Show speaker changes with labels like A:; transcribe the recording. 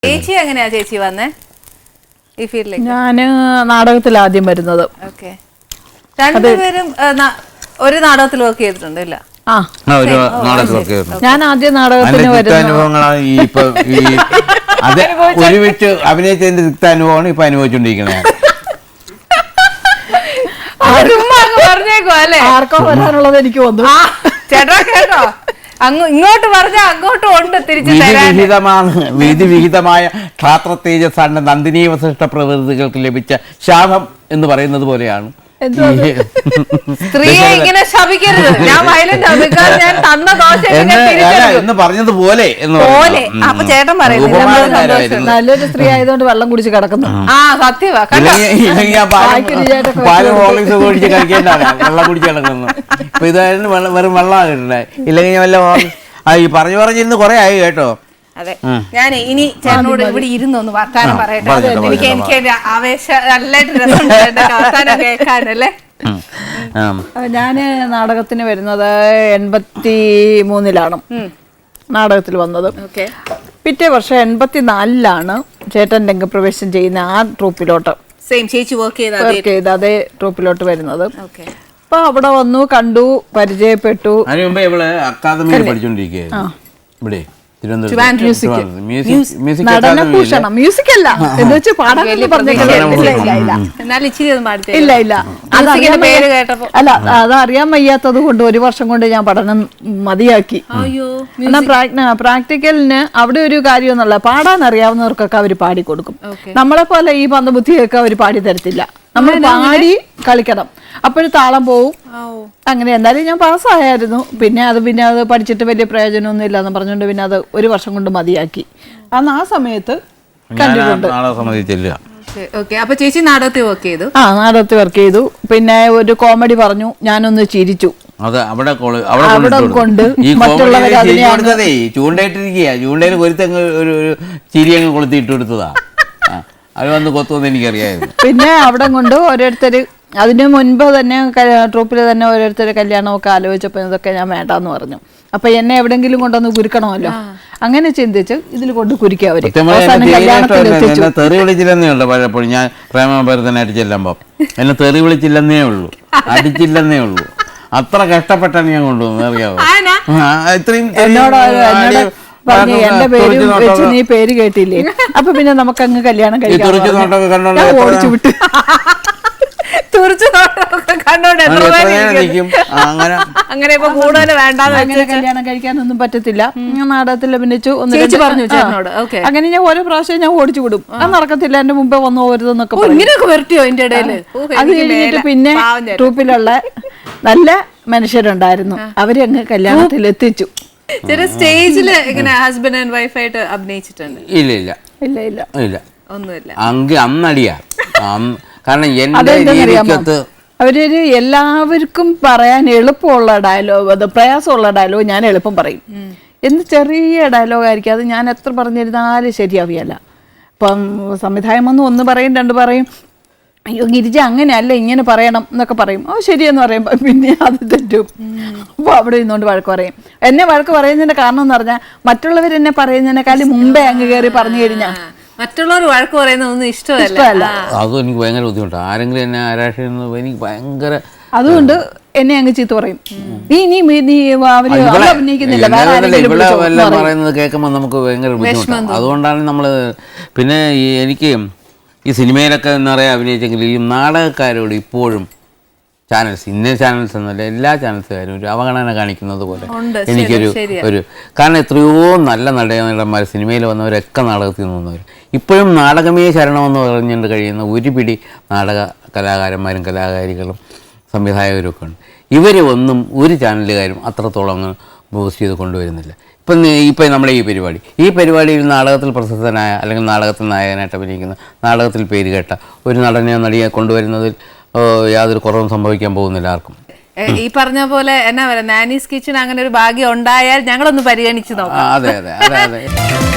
A: ചേച്ചി എങ്ങനെയാ ചേച്ചി വന്നേ ഈ ഫീൽഡിലേക്ക്?
B: ഞാന് നാടകത്തിൽ ആദ്യം വരുന്നത്.
A: ഓക്കെ, രണ്ടുപേരും ഒരു നാടകത്തിൽ വർക്ക് ചെയ്തിട്ടുണ്ട് ഇല്ല?
B: ഞാൻ ആദ്യം നാടകത്തിന്
C: ഒരുമിച്ച് അഭിനയിച്ചതിന്റെ തിക്താനുഭവമാണ് ഇപ്പൊ അനുഭവിച്ചോണ്ടിരിക്കുന്നത്.
A: പറഞ്ഞേക്കോ അല്ലേ?
B: ആർക്കോ വരാനുള്ളത് എനിക്ക് വന്നു.
A: ചേട്ടാ കേട്ടോ, ഇങ്ങോട്ട് പറഞ്ഞാൽ അങ്ങോട്ടും ഉണ്ട് തിരിച്ചു.
C: വിഹിതമായ ക്ഷാത്ര തേജസ്സാണ് നന്ദിനി വസിഷ്ഠ പ്രകൃതികൾക്ക് ലഭിച്ച ശാപം എന്ന് പറയുന്നത് പോലെയാണ്.
A: സ്ത്രീയെ ഇങ്ങനെ ശപിക്കരുത്. ഞാൻ വയലന്റ് ഞാൻ തന്ന ദോശ
C: എന്ന് പറഞ്ഞതുപോലെ
A: അപ്പൊ ചേട്ടൻ പറയുന്നത്
B: നല്ലൊരു സ്ത്രീ ആയതുകൊണ്ട് വെള്ളം കുടിച്ച് കിടക്കുന്നു.
A: ആ സത്യവാ,
C: പാലും ഹോർലിക്സ് ഒഴിച്ച് കഴിക്കേണ്ടതാണ് വെള്ളം കുടിച്ച് കിടക്കുന്നു. ഇപ്പൊ ഇതായിരുന്നു വെറും വെള്ളമാണ് കിട്ടണേ. ഇല്ലെങ്കിൽ വല്ല ഈ പറഞ്ഞിരുന്ന് കുറെ ആയി കേട്ടോ.
A: അതെ, ഞാൻ ഇനി ചേട്ടനോട് ഇവിടെ ഇരുന്നൊന്ന് വർത്താനം പറയട്ടെ. എനിക്ക് ആവേശം നല്ലതായിട്ട് രസമുണ്ട് വർത്താനം കേൾക്കാനല്ലേ.
B: ഞാന് നാടകത്തിന് വരുന്നത് 83-ലാണ് നാടകത്തിൽ വന്നത്. പിറ്റേ വർഷം 84-ലാണ് ചേട്ടൻ രംഗപ്രവേശം ചെയ്യുന്ന ആ ട്രൂപ്പിലോട്ട്
A: വർക്ക്
B: ചെയ്ത അതേ ട്രൂപ്പിലോട്ട് വരുന്നത്. അപ്പൊ അവിടെ വന്നു, കണ്ടു, പരിചയപ്പെട്ടു.
C: അതിന് മുമ്പേ ഇവള് അക്കാദമിയിൽ പഠിച്ചോണ്ടിരിക്കുകയായിരുന്നു ഇവിടെ.
B: നടനഭൂഷണം മ്യൂസിക് അല്ല എന്ന് വെച്ച് പാടാൻ അല്ല, അതറിയാൻ വയ്യാത്തത് കൊണ്ട് ഒരു വർഷം കൊണ്ട് ഞാൻ പഠനം മതിയാക്കി. പ്രാക്ടിക്കലിന് അവിടെ ഒരു കാര്യമൊന്നുമല്ല, പാടാൻ അറിയാവുന്നവർക്കൊക്കെ അവർ പാടിക്കൊടുക്കും. നമ്മളെ പോലെ ഈ പന്തബുദ്ധിയൊക്കെ അവർ പാടി തരത്തില്ല. നമ്മൾ പാടി കളിക്കണം, അപ്പോഴും താളം പോവും. അങ്ങനെ എന്തായാലും ഞാൻ പാസ്സായിരുന്നു. പിന്നെ അത് പഠിച്ചിട്ട് വലിയ പ്രയോജനമൊന്നും ഇല്ലാന്ന് പറഞ്ഞുകൊണ്ട് പിന്നെ അത് ഒരു വർഷം കൊണ്ട് മതിയാക്കി. അന്ന് ആ സമയത്ത് കണ്ടിട്ടുണ്ട്.
A: അപ്പൊ ചേച്ചി നാടകത്തിൽ വർക്ക് ചെയ്തു?
B: ആ, നാടകത്തിൽ വർക്ക് ചെയ്തു. പിന്നെ ഒരു കോമഡി പറഞ്ഞു, ഞാനൊന്ന് ചിരിച്ചു.
C: അവിടെ
B: കൊണ്ട് മറ്റുള്ളവർ
C: ചൂണ്ടയിട്ടിരിക്കുക, ചൂണ്ടയിൽ ഒരു ചിരി അങ്ങ് കൊളുത്തിട്ട് കൊടുത്തതാ. അത് വന്ന് കൊത്തുമെന്ന് എനിക്കറിയായിരുന്നു.
B: പിന്നെ അവിടെ കൊണ്ട് ഓരോരുത്തര് അതിന് മുൻപ് തന്നെ ട്രൂപ്പിൽ തന്നെ ഓരോരുത്തര് കല്യാണമൊക്കെ ആലോചിച്ചപ്പോൾ ഇതൊക്കെ ഞാൻ വേണ്ടാന്ന് പറഞ്ഞു. അപ്പൊ എന്നെ എവിടെങ്കിലും കൊണ്ടൊന്ന് കുരുക്കണമല്ലോ, അങ്ങനെ ചിന്തിച്ച് ഇതിൽ കൊണ്ട് കുരുക്കി അവര്.
C: തെറി വിളിച്ചില്ലെന്നേ ഉള്ളു. പലപ്പോഴും ഞാൻ പ്രേമഭരതനായിട്ട് ചെല്ലുമ്പോ എന്നെ തെറി വിളിച്ചില്ലെന്നേ ഉള്ളൂ, അടിച്ചില്ലെന്നേ ഉള്ളൂ. അത്ര കഷ്ടപ്പെട്ടാണ് ഞാൻ കൊണ്ടുവന്നത്, അറിയാവോ? ഇത്രയും
B: പറഞ്ഞു എന്റെ പേര് വെച്ച് നീ പേര് കേട്ടില്ലേ, അപ്പൊ പിന്നെ നമുക്ക് അങ്ങ് കല്യാണം കഴിക്കാം. ഓടിച്ചു വിട്ടു.
A: അങ്ങനെ
B: കല്യാണം കഴിക്കാനൊന്നും പറ്റത്തില്ല. നാടകത്തിൽ അഭിനയിച്ചു. അങ്ങനെ ഞാൻ ഓരോ പ്രാവശ്യം ഞാൻ ഓടിച്ചു വിടും. അത് നടക്കത്തില്ല, എന്റെ മുമ്പേ വന്നു പോരുതെന്നൊക്കെ
A: വരട്ടിയോ എന്റെ ഇടയില്.
B: അത് കഴിഞ്ഞിട്ട് പിന്നെ ട്രൂപ്പിലുള്ള നല്ല മനുഷ്യരുണ്ടായിരുന്നു, അവര് അങ്ങ് കല്യാണത്തിൽ എത്തിച്ചു.
A: സ്റ്റേജില് ഇങ്ങനെ ഹസ്ബൻഡ് ആൻഡ് വൈഫ് ആയിട്ട് അഭിനയിച്ചിട്ടുണ്ട്?
C: ഇല്ല ഇല്ല
B: ഇല്ല ഇല്ല
C: ഇല്ല,
A: ഒന്നുമില്ല.
C: അന്നടിയാ. കാരണം
B: അവരൊരു എല്ലാവർക്കും പറയാൻ എളുപ്പമുള്ള ഡയലോഗ്, അത് പ്രയാസമുള്ള ഡയലോഗ് ഞാൻ എളുപ്പം പറയും. എന്ത് ചെറിയ ഡയലോഗ് ആയിരിക്കും അത്, ഞാൻ എത്ര പറഞ്ഞിരുന്നാലും ശരിയാവിയല്ല. ഇപ്പം സംവിധായം ഒന്ന് പറയും, രണ്ട് പറയും, അയ്യോ ഗിരിജ അങ്ങനെയല്ല ഇങ്ങനെ പറയണം എന്നൊക്കെ പറയും. ഓ ശരിയെന്ന് പറയുമ്പോൾ പിന്നെ അത് തെറ്റും. അപ്പോൾ അവിടെ ഇരുന്നുകൊണ്ട് വഴക്ക് പറയും. എന്നെ വഴക്ക് പറയുന്നതിന്റെ കാരണം എന്ന് പറഞ്ഞാൽ മറ്റുള്ളവർ എന്നെ പറയുന്നതിനേക്കാളും മുമ്പേ അങ്ങ് കയറി പറഞ്ഞു കഴിഞ്ഞാൽ
A: മറ്റുള്ളവർ വഴക്ക് പറയുന്നതൊന്നും ഇഷ്ടമല്ല.
C: അതും എനിക്ക് ഭയങ്കര ബുദ്ധിമുട്ടാണ്. ആരെങ്കിലും എന്നെ ആരാഷിക്കുന്നത് എനിക്ക് ഭയങ്കര.
B: അതുകൊണ്ട് എന്നെ അങ്ങ് ചീത്ത പറയും.
C: പറയുന്നത് കേൾക്കുമ്പോൾ നമുക്ക് ഭയങ്കര ബുദ്ധിമുട്ടാണ്. അതുകൊണ്ടാണ് നമ്മള് പിന്നെ എനിക്ക് ഈ സിനിമയിലൊക്കെ എന്താ പറയുക അഭിനയിച്ചെങ്കിൽ ഈ നാടകക്കാരോട് ഇപ്പോഴും ചാനൽസ്, ഇന്ന ചാനൽസ് എന്നല്ല എല്ലാ ചാനൽസുകാരും ഒരു അവഗണന കാണിക്കുന്നത് പോലെ എനിക്കൊരു കാരണം എത്രയോ നല്ല നടന്മാർ സിനിമയിൽ വന്നവരൊക്കെ നാടകത്തിൽ നിന്ന് വന്നവർ ഇപ്പോഴും നാടകമേ ശരണമെന്ന് പറഞ്ഞുകൊണ്ട് കഴിയുന്ന ഒരു പിടി നാടക കലാകാരന്മാരും കലാകാരികളും സംവിധായകരും ഉണ്ട്. ഇവർ ഒന്നും ഒരു ചാനലുകാരും അത്രത്തോളം അങ്ങ് ബൂസ്റ്റ് ചെയ്ത് കൊണ്ടുവരുന്നില്ല. ഇപ്പം നമ്മുടെ ഈ പരിപാടിയിൽ നാടകത്തിൽ പ്രശസ്തനായ അല്ലെങ്കിൽ നാടകത്തിൽ നായകനായിട്ട് അഭിനയിക്കുന്ന, നാടകത്തിൽ പേര് കേട്ട ഒരു നടനെയോ നടിയെ കൊണ്ടുവരുന്നതിൽ യാതൊരു കുറവും സംഭവിക്കാൻ പോകുന്നില്ല ആർക്കും.
A: ഈ പറഞ്ഞ പോലെ എന്നാ പറയുക, നാനീസ് കിച്ചൺ അങ്ങനെ ഒരു ഭാഗ്യം ഉണ്ടായാൽ ഞങ്ങളൊന്ന് പരിഗണിച്ചു നോക്കാം.
C: അതെ അതെ അതെ അതെ.